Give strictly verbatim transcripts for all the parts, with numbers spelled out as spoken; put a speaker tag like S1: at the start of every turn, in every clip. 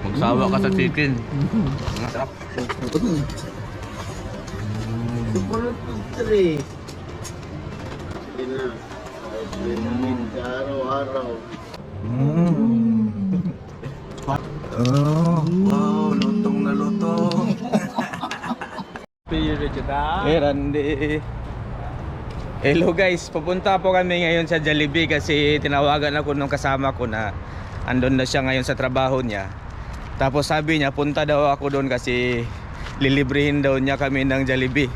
S1: Magsawa ka sa chicken. Masarap.
S2: Sumunod to three. Hindi na. Vitamin ka araw-araw.
S1: Mm. Oh, wow, lutong na lutong. Eh, Randy. Hello guys, pupunta po kami ngayon sa Jollibee kasi tinawagan ako nung kasama ko na andun na siya ngayon sa trabaho niya. Tapos sabi niya punta daw ako doon kasi lilibrihin daw niya kami ng Jollibee.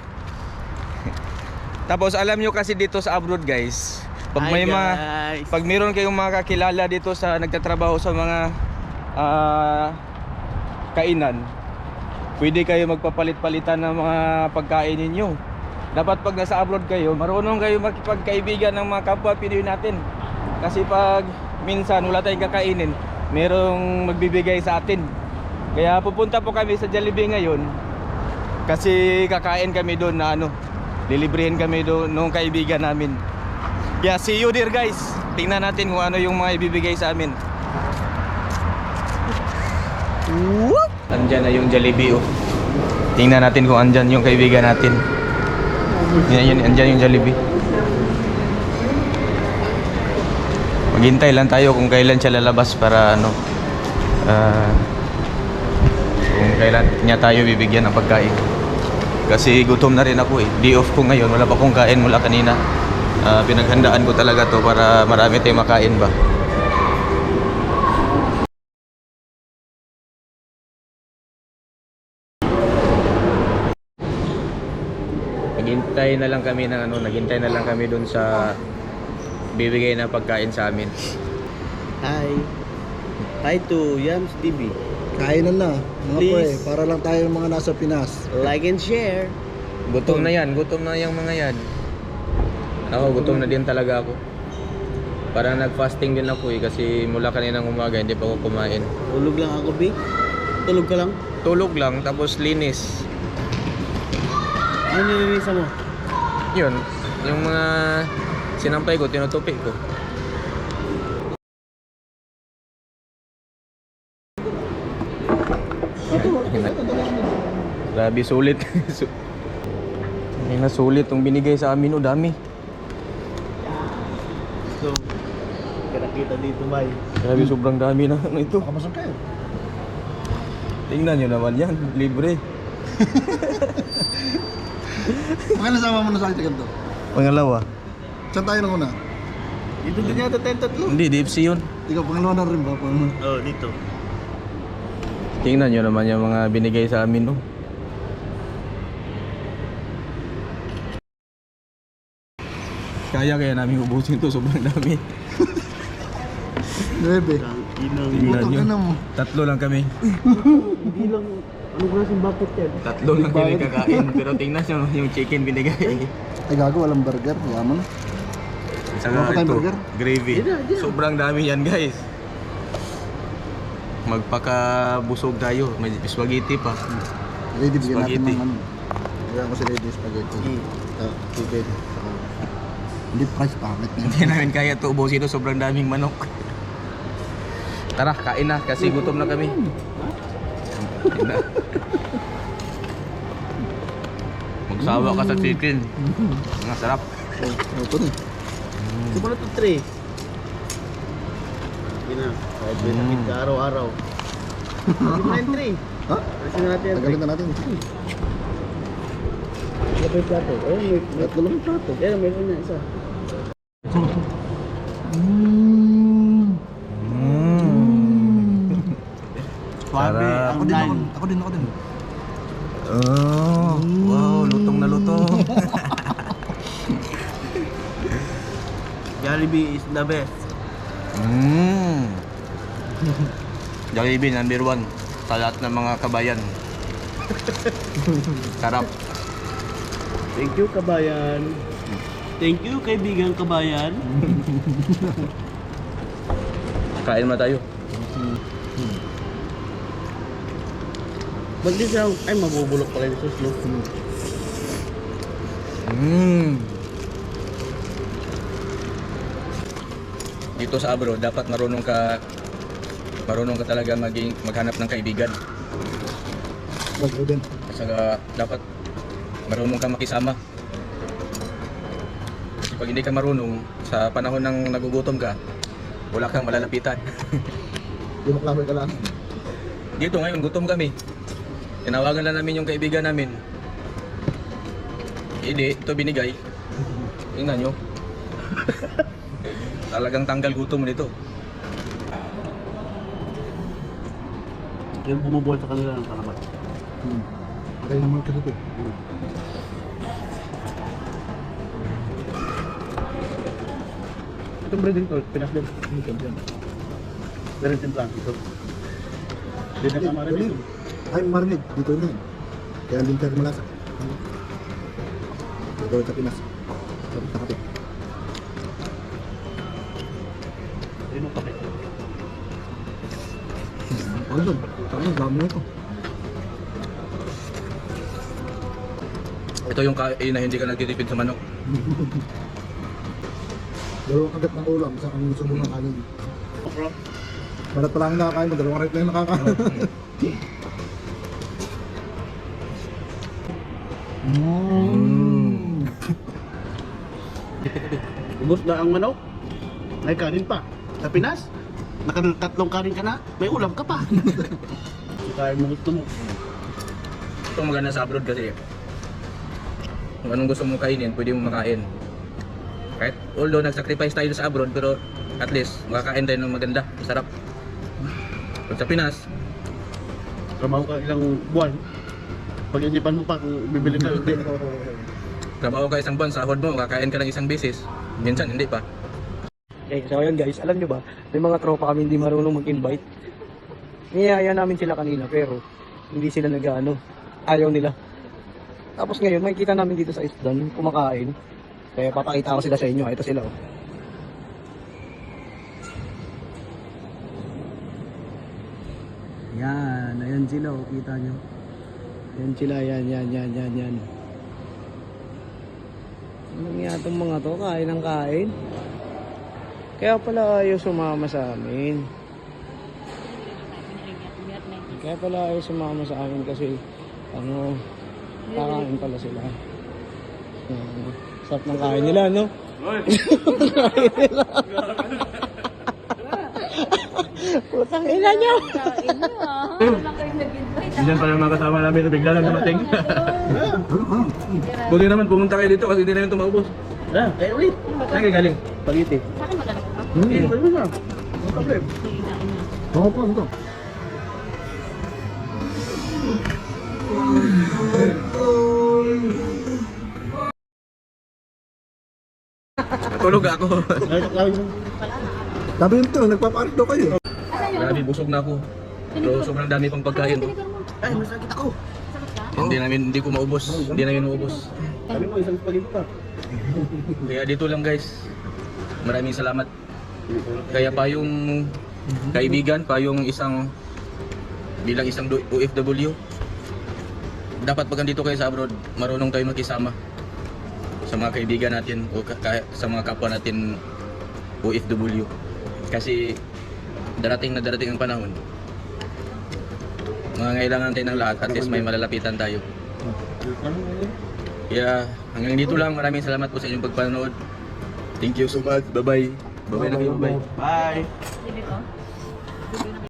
S1: Tapos alam nyo kasi dito sa abroad guys, pag may mga, pag meron kayong mga kakilala dito sa nagtatrabaho sa mga uh, kainan, pwede kayo magpapalit-palitan ng mga pagkain ninyo. Dapat pag nasa abroad kayo, marunong kayo makipagkaibigan ng mga kapwa Pinoy natin. Kasi pag minsan wala tayong kakainin, merong magbibigay sa atin. Kaya pupunta po kami sa Jollibee ngayon kasi kakain kami doon na ano, lilibrihin kami doon nung kaibigan namin. Yeah, see you there guys. Tingnan natin kung ano yung mga ibibigay sa amin. What? Andyan na yung Jollibee oh. Tingnan natin kung andyan yung kaibigan natin. Yan, yan, andyan yung Jollibee. Maghintay lang tayo kung kailan siya lalabas para ano, uh, kung kailan niya tayo bibigyan ng pagkain. Kasi gutom na rin ako eh. Day off ko ngayon, wala pa akong kain mula kanina. uh, Pinaghandaan ko talaga to para marami tayong makain ba. Naghintay na lang kami ng ano, naghintay na lang kami doon sa bibigay na pagkain sa amin.
S2: Hi. Hi to Yams T V.
S3: Kainan na, mga
S2: Please.
S3: pre, para lang tayo mga nasa Pinas.
S2: Like and share.
S1: Gutom na yan, gutom na yung mga yan. Ako, gutom na din talaga ako. Parang nag-fasting din ako eh, kasi mula kaninang umaga hindi pa ako kumain.
S2: Tulog lang ako, B. Tulog ka lang.
S1: Tulog lang, tapos linis.
S2: Ano nililisa mo?
S1: Yun, yung mga sinampay ko, tinutupi ko. Grabe, sulit. May nasulit yung binigay sa amin, o dami.
S2: So, kita dito, bay.
S1: Grabe, sobrang dami na ano ito.
S3: Makamasok kayo.
S1: Tingnan nyo naman yan, libre.
S3: Mga nasama mo na sa akin to.
S1: Pangalawa.
S3: Saan tayo nang una?
S2: Dito din yata tayong tatlo.
S1: Hindi, D F C yun.
S3: Ikaw, pangalawa na rin ba? Pangalawa.
S2: Oh, dito.
S1: Tingnan nyo naman yung mga binigay sa amin, no? Kaya kaya namin ubusin to, sobrang dami.
S3: Nuebe.
S2: Inang.
S1: Tingnan
S3: Puto
S1: nyo.
S3: ka na mo.
S1: Tatlo lang kami.
S2: Hindi lang. Ano klaseng bucket yan?
S1: Tatlo lang kami kakain. Pero tingnan nyo yung chicken binigay.
S3: Ay gago, walang burger. Yaman na.
S1: Saka
S3: Wala pa tayong
S1: ito,
S3: burger?
S1: gravy.
S2: Yan na, yan na.
S1: Sobrang dami yan, guys. Magpakabusog tayo. May spaghetti pa.
S3: Lady, bigyan natin
S1: Spaghetti.
S3: ng ano. Bigyan ko si Lady spaghetti.
S2: Mm.
S3: Ah, tubig. Saka, hindi price pangit na
S1: Hindi namin kaya ito ubusin ito. Sobrang daming manok. Tara, kain na kasi gutom na kami. Kain na. Magsawa ka sa chicken. Masarap.
S3: Ito na.
S2: Sumunod to three. Hindi na. Kahit vitamin ka araw-araw. Hindi mo na yung three.
S3: Ha?
S2: Kasi natin yung
S3: Tagalin na natin.
S2: Wala pa yung plato. Oh, may tatlo lang yung plato. Yan, mayroon na isa.
S3: Mmm.
S1: Mm.
S2: Swabe,
S1: Sarap.
S3: Ako din, ako, ako din, ako din.
S1: Oh, wow, lutong na lutong.
S2: Jollibee is the best.
S1: Mm. Jollibee number one sa lahat ng mga kabayan. Sarap.
S2: Thank you, kabayan. Thank you, kaibigan kabayan.
S1: Kain na tayo.
S2: Ba't di siya, ay mabubulok pala yung sauce, no?
S1: Mm. Dito sa abroad, dapat marunong ka marunong ka talaga maging maghanap ng kaibigan.
S3: Wag din.
S1: At saka dapat marunong ka makisama. Kasi pag hindi ka marunong, sa panahon ng nagugutom ka, wala kang malalapitan.
S3: Di maklamay ka lang.
S1: Dito ngayon, gutom kami. Tinawagan lang namin yung kaibigan namin. Hindi, ito binigay. Tingnan nyo. Talagang tanggal gutom mo nito.
S2: Yung bumubuhay sa kanila ng salamat.
S3: Hmm. Kaya naman ka dito.
S2: Itong breading to, Pinas din. Pero yung timplang ito. Hindi na kamara dito.
S3: Ay, marinig. Dito na yun. Kaya din tayo malasa. Dito sa Pinas. Sabi sa kapit.
S2: Ano pa kayo?
S3: Ano doon? Saan yung dami na ito?
S1: Ito yung kain na hindi ka nagtitipid sa manok.
S3: Dalawang kagat ng ulam sa ang gusto mo ng kanin.
S2: Okra.
S3: Balat pa lang yung nakakain mo, dalawang rin lang yung nakakain.
S1: Mm.
S2: Ubus na ang manok. May kanin pa. Sa Pinas, nakatatlong kanin ka na, may ulam ka pa. Kaya mo gusto mo.
S1: Ito maganda sa abroad kasi kung anong gusto mong kainin, pwede mong makain. Kahit although nag-sacrifice tayo sa abroad, pero at least makakain tayo ng maganda, masarap. Pag sa Pinas,
S2: Trabaho ka ilang buwan. Pag-isipan mo pa kung bibili ka hindi.
S1: trabaho ka isang buwan, sahod mo, kakain ka ng isang beses. Minsan hindi pa.
S4: Okay, so ayun guys, alam nyo ba, may mga tropa kami hindi marunong mag-invite. Niyaya namin sila kanina pero hindi sila nag-ano, ayaw nila. Tapos ngayon, makikita namin dito sa isdan, kumakain. Kaya papakita ko sila sa inyo, ito sila oh. Yan, ayan sila oh, kita nyo. Ayan sila, yan, yan, yan, yan, yan. Ano nga itong mga to, kain ng kain. Kaya pala ayaw sumama sa amin. Kaya pala ayaw sumama sa amin kasi ano, kakain pala sila. Uh, sarap ng kain nila, no? Kain nila. Putang ina nyo!
S5: Kain nyo ah. Wala kayo nag-invite ah.
S1: Minsan pala mga kasama namin na bigla lang dumating. Buti naman pumunta kayo dito kasi hindi namin ito maubos.
S2: Ah, kaya ulit.
S1: Saan kayo galing?
S2: Pagiti.
S5: Sa akin maganda ka?
S2: Hindi, pwede mo na. No problem.
S3: Oo po, ito.
S1: Natulog ako.
S2: Ay, taklawin mo.
S3: Sabi yun ito, nagpaparik daw kayo.
S1: Grabe, busog na ako. Pero sobrang dami pang pagkain. Oh.
S2: Ay, masakit ako.
S5: Sakit ka?
S1: Hindi namin, hindi ko maubos. Hindi namin maubos.
S2: Sabi mo, isang spaghetti pa.
S1: Kaya dito lang guys. Maraming salamat. Kaya pa yung kaibigan, pa yung isang bilang isang O F W, dapat pag andito kayo sa abroad, marunong tayo makisama sa mga kaibigan natin o ka- ka- sa mga kapwa natin O F W. Kasi darating na darating ang panahon, mangangailangan tayo ng lahat, at least may malalapitan tayo. Kaya hanggang dito lang, maraming salamat po sa inyong pagpanood. Thank you so much. Bye-bye. Bye-bye na kayo. Bye.
S2: Bye.
S5: Dito.